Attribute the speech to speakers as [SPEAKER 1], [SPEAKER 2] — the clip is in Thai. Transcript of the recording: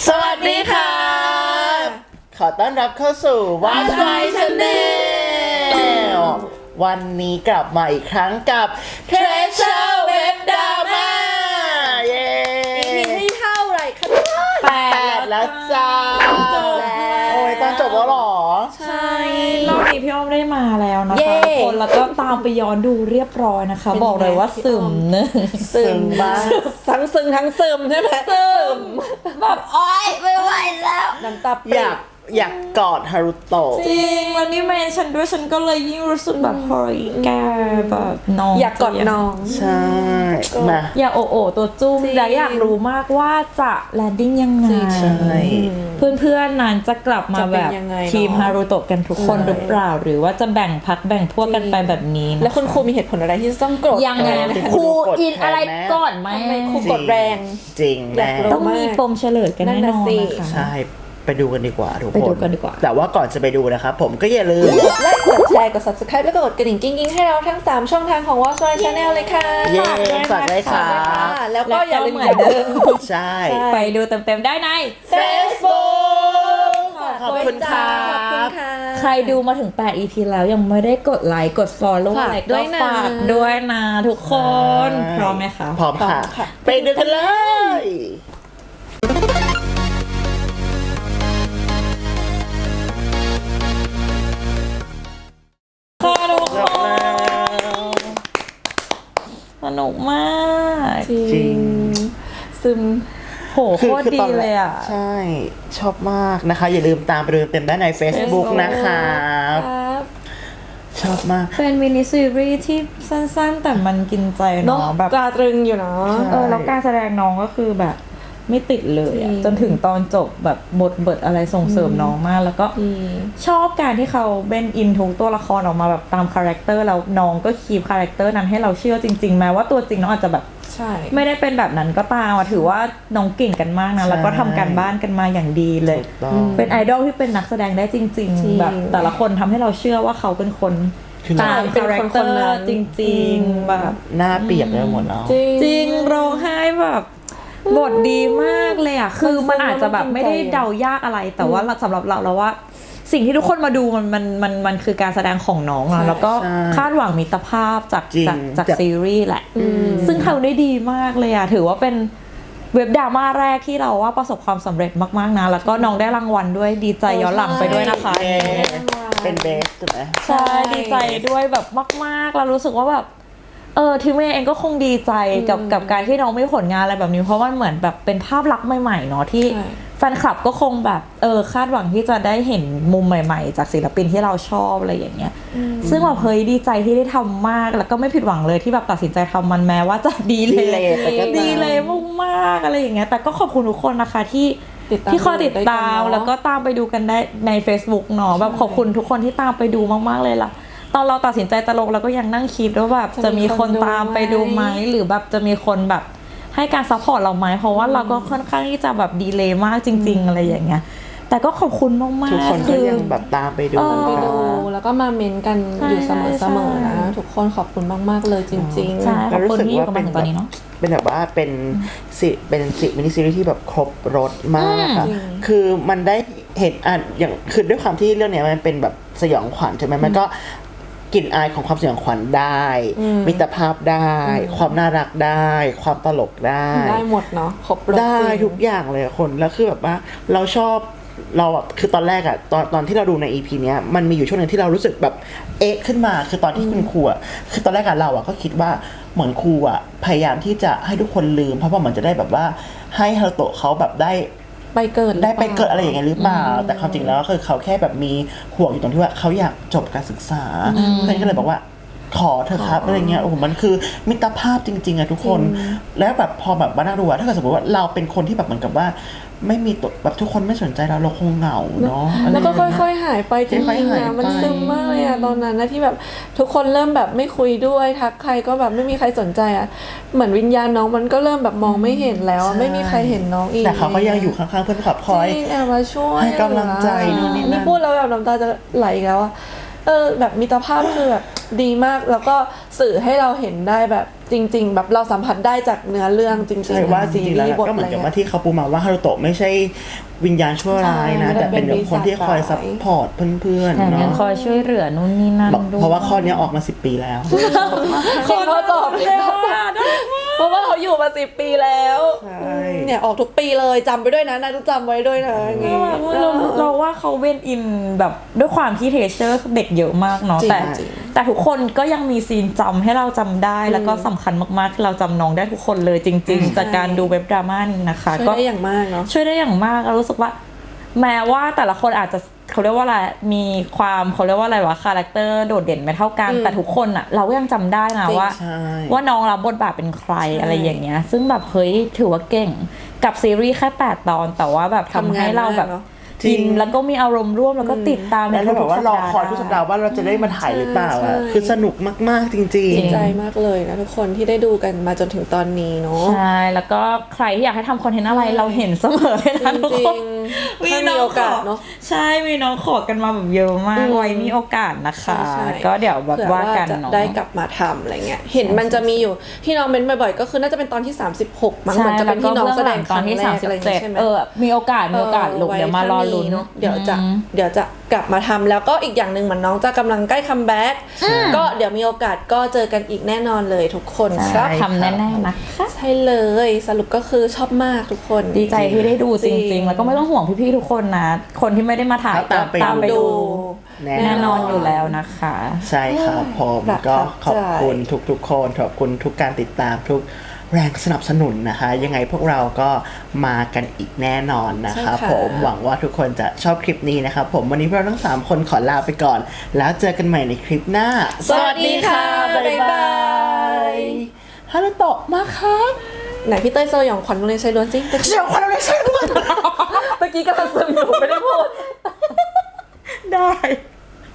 [SPEAKER 1] สวัสดีค่ะขอต้อนรับเข้าสู่ What's My Channel วันนี้กลับมาอีกครั้งกับ Treasure Web Drama เย้
[SPEAKER 2] EP ที่เท่าไหร่คะ
[SPEAKER 1] 8แล้วจ้า
[SPEAKER 2] จบแล้ว
[SPEAKER 1] โอ้ยตอนจบแล้วหรอ
[SPEAKER 3] ใช่รอบนี้พี่อ้อมได้มาแล้วนะคะทุกคนแล้วก็ตามไปย้อนดูเรียบร้อยนะคะบอกเลยว่าซึมเนอะ
[SPEAKER 1] ซึมบ้าง
[SPEAKER 2] ทั้งซึ้งทั้งซึมใช่ไหมซึม
[SPEAKER 3] แบบโอ๊ยไม่ไหวแล้ว
[SPEAKER 2] น้ำตาป
[SPEAKER 1] อยากกอดฮารุโตะ
[SPEAKER 3] จริงแล้วนี่แม่ฉันด้วยฉันก็เลยยิ่งรู้สึกแบบเฮ้ยแกแบบน้อง
[SPEAKER 2] อยากกอดน้อง
[SPEAKER 1] ใช่มา
[SPEAKER 3] อยากโอโอตัวจุ้ม
[SPEAKER 2] จริง
[SPEAKER 3] และอยากรู้มากว่าจะแลนดิ้งยังไง
[SPEAKER 1] ใช่
[SPEAKER 3] เพื่อนๆนั้นจะกลับมาแบบ
[SPEAKER 2] จะเป็นยังไงเนอะ
[SPEAKER 3] ทีมฮารุโตะกันทุกคนหรือเปล่าหรือว่าจะแบ่งพักแบ่งพวกกันไปแบบนี้นะ
[SPEAKER 2] แล้วคุณครูมีเหตุผลอะไรที่ต้องโกรธ
[SPEAKER 3] ยังไง
[SPEAKER 1] เป็น
[SPEAKER 3] ครู
[SPEAKER 1] กด
[SPEAKER 3] อินอะไร
[SPEAKER 1] แทนไหม
[SPEAKER 3] ก่อนไหม
[SPEAKER 2] ทำไมครูกดแรง
[SPEAKER 1] จริง
[SPEAKER 2] อยาก
[SPEAKER 1] แน่
[SPEAKER 2] รู้
[SPEAKER 3] ต้องมีปมเฉลยกันแน่นอน
[SPEAKER 2] นั่นน่ะสิ
[SPEAKER 3] นะคะ
[SPEAKER 1] ใช่ไปดูกันดีกว่าทุกคน
[SPEAKER 3] ไปดูกันดีกว่า
[SPEAKER 1] แต่ว่าก่อนจะไปดูนะครับผมก็อย่าลืม
[SPEAKER 2] กดไลค์กดแชร์กด subscribe แล้วก็กดกระดิ่งกิ๊งๆให้เราทั้ง 3 ช่องทางของ What's My Channel เลยค่ะ
[SPEAKER 1] เย้ฝากด้วยค่ะ
[SPEAKER 2] แล้วก็อย่าลืม
[SPEAKER 3] เหมือนเดิม
[SPEAKER 1] ใช่
[SPEAKER 3] ไปดูเต็มๆได้ใน
[SPEAKER 1] Facebook ขอบคุณครั
[SPEAKER 2] ขอบคุณ
[SPEAKER 1] บ
[SPEAKER 2] ค่ะ
[SPEAKER 3] ใครดูมาถึง8 EP แล้วยังไม่ได้กดไลค์กด follow
[SPEAKER 2] ฝาก
[SPEAKER 3] อะไร
[SPEAKER 2] ด้
[SPEAKER 3] ก็
[SPEAKER 2] วยนะ
[SPEAKER 3] ฝากด้วยนะทุกคน
[SPEAKER 1] ใช่
[SPEAKER 3] พร้อมไหมคะ
[SPEAKER 1] พร้อมค่ะ
[SPEAKER 2] พร้อมค่ะ
[SPEAKER 1] ไปดูกันเลย
[SPEAKER 3] ค่ะทุก
[SPEAKER 1] จ
[SPEAKER 3] ค
[SPEAKER 1] บแล้
[SPEAKER 3] น
[SPEAKER 1] ว
[SPEAKER 3] สนุกมาก
[SPEAKER 2] จริ
[SPEAKER 1] จริง
[SPEAKER 2] ซึม
[SPEAKER 3] โหโคตรดีเลยอ่ะ
[SPEAKER 1] ใช่ชอบมากนะคะ อย่าลืมตามไปดูเต็มได้ใน Facebook นะครับ
[SPEAKER 2] ครับ
[SPEAKER 1] ชอบมาก
[SPEAKER 3] เป็นมินิซีรีส์ที่สั้นๆ แต่มันกินใจ
[SPEAKER 2] เนาะ
[SPEAKER 3] เนาะแบบ
[SPEAKER 2] ตราตรึงอยู่เนาะ
[SPEAKER 1] ใช่
[SPEAKER 3] แล้วการแสดงน้องก็คือแบบไม่ติดเลยอะ
[SPEAKER 2] จริง
[SPEAKER 3] จนถึงตอนจบแบบบทเบิดอะไรส่งเสริมน้องมาก แล้วก็ชอบการที่เขาเบนอินทุกตัวละครออกมาแบบตามคาแรคเตอร์แล้วน้องก็คีปคาแรคเตอร์นั้นให้เราเชื่อจริงๆแม้ว่าตัวจริงน้องอาจจะแบบ
[SPEAKER 2] ใช่
[SPEAKER 3] ไม่ได้เป็นแบบนั้นก็ตามอะถือว่าน้องเก่งกันมากนะแล้วก็ทำการบ้านกันมาอย่างดีเลย
[SPEAKER 1] ถูกต้อง
[SPEAKER 3] เป็นไอดอลที่เป็นนักแสดงได้จริง
[SPEAKER 2] จริง
[SPEAKER 3] ๆ แบบแต่ละคนทำให้เราเชื่อว่าเขาเป็นคน
[SPEAKER 1] คือ
[SPEAKER 3] ตาม
[SPEAKER 2] เป็น
[SPEAKER 3] คาแรค
[SPEAKER 2] คน
[SPEAKER 3] เตอ
[SPEAKER 2] คนนั้
[SPEAKER 3] ร์
[SPEAKER 2] น
[SPEAKER 3] จริงๆแบบ
[SPEAKER 1] หน้าเปียกเลยหมดแล้ว
[SPEAKER 2] จริง
[SPEAKER 3] จริงร้องไห้แบบบทดีมากเลยอ่ะคือมันอาจจะแบบไม่ได้เดายากอะไร แต่ว่าสำหรับเราแล้วว่า สิ่งที่ทุกคนมาดูมันคือการแสดงของน้อง
[SPEAKER 2] ใช่
[SPEAKER 3] อะแล้วก็
[SPEAKER 1] ใช่
[SPEAKER 3] คาดหวังมิตรภาพจาก
[SPEAKER 1] จริง
[SPEAKER 3] จากซีรีส์แหละ ซึ่งทำได้ดีมากเลยอ่ะถือว่าเป็นเว็บดราม่าแรกที่เราว่าประสบความสำเร็จมากๆนะแล้วก็น้องได้รางวัลด้วยดีใจย้อนหลังไปด้วยนะคะ
[SPEAKER 1] เย้เป็นเบสถูกไหม
[SPEAKER 3] ใช่ดีใจด้วยแบบมากๆเรารู้สึกว่าแบบทีมเองก็คงดีใจกับการที่น้องไม่ผลงานอะไรแบบนี้เพราะมันเหมือนแบบเป็นภาพลักษณ์ใหม่ๆเนาะที่
[SPEAKER 2] ใช่
[SPEAKER 3] แฟนคลับก็คงแบบคาดหวังที่จะได้เห็นมุมใหม่ๆ จากศิลปินที่เราชอบอะไรอย่างเงี้ยซึ่งแบบเฮ้ยดีใจที่ได้ทำมากแล้วก็ไม่ผิดหวังเลยที่แบบตัดสินใจทำมันแม้ว่าจะดีเล
[SPEAKER 1] ดีเลย
[SPEAKER 3] ย
[SPEAKER 1] ไปก็ตาม
[SPEAKER 3] ดีเลยมากๆอะไรอย่างเงี้ยแต่ก็ขอบคุณทุกคนนะคะที่
[SPEAKER 2] ติดตาม
[SPEAKER 3] ที่คอยติดตาม
[SPEAKER 2] ด้วยกันเนอะ
[SPEAKER 3] แล้วก็ตามไปดูกันได้ใน Facebook เนาะแบบขอบคุณทุกคนที่ตามไปดูมากๆเลยล่ะตอนเราตัดสินใจจะลงเราก็ยังนั่งคิดว่าแบบจะมีคนตามไปดูไหมหรือแบบจะมีคนแบบให้การซัพพอร์ตเราไหมเพราะว่าเราก็ค่อนข้างที่จะแบบดีเลย์มากจริง ๆ อะไรอย่างเงี้ยแต่ก็ขอบคุณมากๆ
[SPEAKER 1] ทุกคนก็ยังแบบตามไปดู
[SPEAKER 2] ไป
[SPEAKER 1] ค
[SPEAKER 2] ดู
[SPEAKER 1] รับ
[SPEAKER 2] แล้วก็มาเม้นกัน
[SPEAKER 3] ใช่
[SPEAKER 2] อยู่เสมอ
[SPEAKER 3] ใช่
[SPEAKER 2] เสมอนะทุกคนขอบคุณมากๆเลยจริงๆ
[SPEAKER 3] ใช่ขอบคุณที่อยู่กับมันถึงตอนนี้เนาะ
[SPEAKER 1] เป็นแบบว่าเป็นมินิซีรีส์ที่แบบครบรสมากอะ
[SPEAKER 2] จริง
[SPEAKER 1] คือมันได้เห็นอย่างคือด้วยความที่เรื่องเนี้ยมันเป็นแบบสยองขวัญใช่ไหมมันก็กลิ่นอายของความสยองขวัญได้ มิตรภาพได้ ความน่ารักได้ ความตลกได้
[SPEAKER 2] ได้หมดเนาะครบรส
[SPEAKER 1] ได้
[SPEAKER 2] จริง
[SPEAKER 1] ทุกอย่างเลยอะคนแล้วคือแบบว่าเราชอบเราอะคือตอนแรกอะตอนที่เราดูใน EP เนี้ยมันมีอยู่ช่วงหนึงที่เรารู้สึกแบบเอ๊ะขึ้นมาคือตอนที่คุณครูอะคือตอนแรกอะเราอะก็คิดว่าเหมือนครูอะพยายามที่จะให้ทุกคนลืมเพราะว่าเหมือนจะได้แบบว่าให้ฮารุโตะเขาแบบได้
[SPEAKER 2] ไปเกิด
[SPEAKER 1] ได้ไปเกิดอะไรอย่างเงี้ยหรือเปล่าแต่ความจริงแล้วคือเขาแค่แบบมีห่วงอยู่ตรงที่ว่าเขาอยากจบการศึกษาเพื่อนก็เลยบอกว่าขอเถอะครับอะไรเงี้ยโอ้โหมันคือมิตรภาพจริงๆอะทุกคน แล้วแบบพอแบบมานั่งดูอะถ้าเกิดสมมติว่าเราเป็นคนที่แบบเหมือนกับว่า ไม่มีตัวแบบทุกคนไม่สนใจเราคงเหงาเนาะ
[SPEAKER 2] แล้วก็
[SPEAKER 1] ะไรางเงี้
[SPEAKER 2] ค่อยๆหายไปจริง
[SPEAKER 1] ค่อยๆ
[SPEAKER 2] ๆ
[SPEAKER 1] หาย
[SPEAKER 2] นะ
[SPEAKER 1] ไป
[SPEAKER 2] มันซึมมากเลยอะตอนนั้นนะที่แบบทุกคนเริ่มแบบไม่คุยด้วยทักใครก็แบบไม่มีใครสนใจอะเหมือนวิญญาณน้องมันก็เริ่มแบบมองไม่เห็นแล้วอะไม่มีใครเห็นน้องอีก
[SPEAKER 1] แต่เขาก็ยังอยู่ข้างๆเพื่อนขับคอย
[SPEAKER 2] จริงแอบมาช่วย
[SPEAKER 1] ให้กำลังใจนู่นนี่นั่น
[SPEAKER 2] นี่พูดแล้วแบบน้ำตาจะไหลอีกแล้วอะแบบมิตรภาพคือแบบดีมากแล้วก็สื่อให้เราเห็นได้แบบจจริง ๆ แบบเราสัมผัสได้จากเนื้อเรื่องจริงๆ
[SPEAKER 1] ใช่ว่าจริงๆแล้วก็เหมือนกับว่าที่เขาปูมาว่าฮารุโตะไม่ใช่วิญญาณชั่วร้ายนะ
[SPEAKER 2] ใช่
[SPEAKER 1] แต่เป็นคนที่คอยซัพพอร์ตเพื่อน
[SPEAKER 3] แถม
[SPEAKER 1] ๆ
[SPEAKER 3] ยัง
[SPEAKER 1] เนาะ
[SPEAKER 3] คอยช่วยเหลือนู่นนี่นั่น
[SPEAKER 1] บอก
[SPEAKER 3] ด้วย
[SPEAKER 1] เพราะว่าข้อนี้ออกมา10 ปีแล้ว
[SPEAKER 2] คนเขาตอบแล้วเพราะว่าเขาอยู่มา10 ปีแล้ว
[SPEAKER 1] ใช่
[SPEAKER 2] เนี่ยออกทุกปีเลยจำไปด้วยนะนายต้องจำไว้ด้วยนะอย่างงี้
[SPEAKER 3] เราว่าเขาเว้นอินแบบด้วยความที่เทเชอร์เด็กเยอะมากเนาะ
[SPEAKER 2] จริง
[SPEAKER 3] แต่
[SPEAKER 2] จริง
[SPEAKER 3] แต่ทุกคนก็ยังมีซีนจำให้เราจำได้ แล้วก็สำคัญมากๆที่เราจำน้องได้ทุกคนเลยจริง ๆ จากการดูเว็บดราม่านี้นะคะ
[SPEAKER 2] ช่วยได้อย่างมากเนาะ
[SPEAKER 3] ช่วยได้อย่างมากเรารู้สึกว่า แม้ว่าแต่ละคนอาจจะเขาเรียกว่าอะไรมีความเขาเรียกว่าอะไรวะคาแรคเตอร์โดดเด่นไม่เท่ากันแต่ทุกคนอะเราก็ยังจำได้นะ
[SPEAKER 2] จริง
[SPEAKER 3] ว่า
[SPEAKER 1] ใช่
[SPEAKER 3] ว่าน้องรับบทบาทเป็นใคร
[SPEAKER 2] ใช่
[SPEAKER 3] อะไรอย่างเงี้ย ซึ่งแบบเฮ้ยถือว่าเก่งกับซีรีส์แค่8 ตอน แต่ว่าแบบทำให้เราแบบ
[SPEAKER 2] ทำงานมากเนอะ
[SPEAKER 3] อินแล้วก็มีอารมณ์ร่วมแล้วก็ติดตามใน
[SPEAKER 1] แล้วเรา
[SPEAKER 3] ทุ
[SPEAKER 1] แบบ
[SPEAKER 3] กๆ
[SPEAKER 1] ว่า
[SPEAKER 3] สัป
[SPEAKER 1] รอ
[SPEAKER 3] ดาห์
[SPEAKER 1] คอยทุกสัปดาห์ว่าเราจะได้มาถ่ายหรือเปล่า
[SPEAKER 2] ใช่
[SPEAKER 1] อ่ะคือสนุกมากๆจริง
[SPEAKER 3] จริง
[SPEAKER 2] ใจมากเลยนะทุกคนที่ได้ดูกันมาจนถึงตอนนี้เนาะ
[SPEAKER 3] ใช่แล้วก็ใครที่อยากให้ทำคอนเทนต์อะไรเราเห็นเสมอเลยนะทุก
[SPEAKER 2] จริ
[SPEAKER 3] คน
[SPEAKER 2] งๆถ้ามีโอกาสเนาะ
[SPEAKER 3] ใช่มีน้องขอกันมาแบบเยอะมากไว้มีโอกาสนะคะ
[SPEAKER 2] ใช่
[SPEAKER 3] ก็เดี๋ยวแบบ
[SPEAKER 2] เผื่อ
[SPEAKER 3] ว่า
[SPEAKER 2] ว่า
[SPEAKER 3] กัน
[SPEAKER 2] จะ
[SPEAKER 3] เนาะ
[SPEAKER 2] ได้กลับมาทำอะไรเงี้ยเห็นมันจะมีอยู่ที่น้องเม้นบ่อยๆก็คือน่าจะเป็นตอนที่36มั้งเหมือนจะเป็นที่น้องแสดงค
[SPEAKER 3] ตอน
[SPEAKER 2] รั้ง
[SPEAKER 3] ที่
[SPEAKER 2] แรกอะไรอย่างเงี้ยใช่ไหม
[SPEAKER 3] มีโอกาสลูกเดี๋ยวมารอลุ้น
[SPEAKER 2] เนาะเดี๋ยวจะกลับมาทำแล้วก็อีกอย่างหนึ่งเหมือนน้องจะกำลังใกล้คัมแบ็กก็เดี๋ยวมีโอกาสก็เจอกันอีกแน่นอนเลยทุกคนครับ
[SPEAKER 3] ทำแน่ๆนะคะ
[SPEAKER 2] ใช่เลยสรุปก็คือชอบมากทุกคน
[SPEAKER 3] ดีใจที่ได้ดูจ
[SPEAKER 2] จริ
[SPEAKER 3] ริง
[SPEAKER 2] ง
[SPEAKER 3] ๆ แล้วก็ไม่ต้องห่วงพี่ๆทุกคนนะ คนที่ไม่ได้มาถ่าย
[SPEAKER 1] ตามไป
[SPEAKER 3] ตามไปดู
[SPEAKER 1] แน่
[SPEAKER 3] แน่นอนอยู่แล้วนะคะ
[SPEAKER 1] ใช่ครับผม
[SPEAKER 2] ประทับใจ
[SPEAKER 1] ก็ขอบคุณทุกๆคนขอบคุณทุกการติดตามทุกแรงสนับสนุนนะคะ ยังไงพวกเราก็มากันอีกแน่นอนนะครับ
[SPEAKER 2] ใช่ค่ะ
[SPEAKER 1] ผมหวังว่าทุกคนจะชอบคลิปนี้นะครับผมวันนี้พวกเราทั้ง3คนขอลาไปก่อน แล้วเจอกันใหม่ในคลิปหน้า
[SPEAKER 2] สวัสดีค่ะบ๊ายบาย
[SPEAKER 1] ฮารุโตะมาครับ
[SPEAKER 2] ไหนพี่เต้ยสยองขวัญโรงเรียนชายล้วนสิ
[SPEAKER 1] เดี๋ยวคนเราได้ใช่ด้วย
[SPEAKER 2] เมื่อกี้กำลังซึมอยู่ไม่ได้พูด
[SPEAKER 3] ได้